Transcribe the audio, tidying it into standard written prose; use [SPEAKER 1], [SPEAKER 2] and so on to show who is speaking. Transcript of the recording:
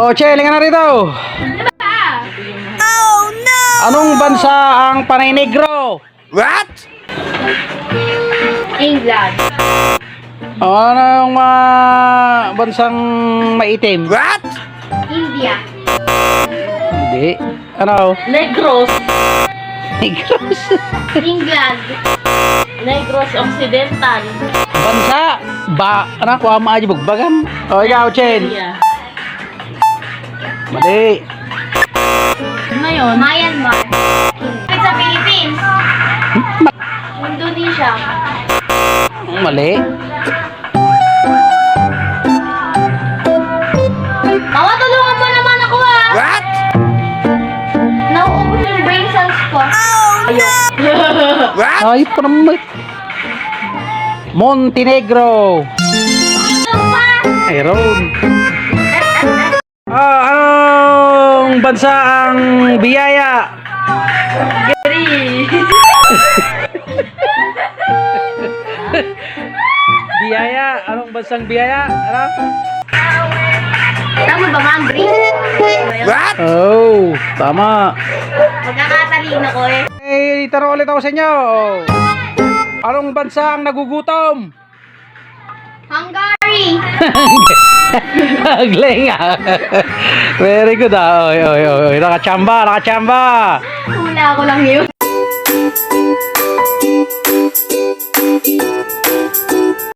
[SPEAKER 1] Oh, Che, linga na rito.
[SPEAKER 2] Oh no!
[SPEAKER 1] Anong bansa ang Panay Negro?
[SPEAKER 3] What?
[SPEAKER 2] England.
[SPEAKER 1] Anong bansang maitim?
[SPEAKER 3] What?
[SPEAKER 2] India.
[SPEAKER 1] Hindi. Ano?
[SPEAKER 2] Negros.
[SPEAKER 1] Negros.
[SPEAKER 2] England. Negros Occidental.
[SPEAKER 1] Bansa. Ano? Kuha mo aja bugbagan. O, ikaw, Chen.
[SPEAKER 2] India.
[SPEAKER 1] Mali.
[SPEAKER 2] Ano yun? Myanmar. Sa Philippines. Indonesia.
[SPEAKER 1] Mali.
[SPEAKER 2] Mama, tulungan mo naman ako ha.
[SPEAKER 3] What?
[SPEAKER 2] Nauubos yung brain cells ko. Oh no!
[SPEAKER 3] What?
[SPEAKER 1] Ay, pa naman. Montenegro. Ayun. Anong bansa ang biyaya?
[SPEAKER 2] Gary.
[SPEAKER 1] Biyaya. Anong bansang biyaya? Ano?
[SPEAKER 2] Tama ba, Ma'am Bri?
[SPEAKER 3] What?
[SPEAKER 1] Oh, tama.
[SPEAKER 2] Magkakatalino ko eh.
[SPEAKER 1] Eh, tanong ulit ako sa inyo. Anong bansa ang nagugutom?
[SPEAKER 2] Hungary.
[SPEAKER 1] Galing ah. Very good ah. Oy. Nakachamba.
[SPEAKER 2] Hula ko lang yun.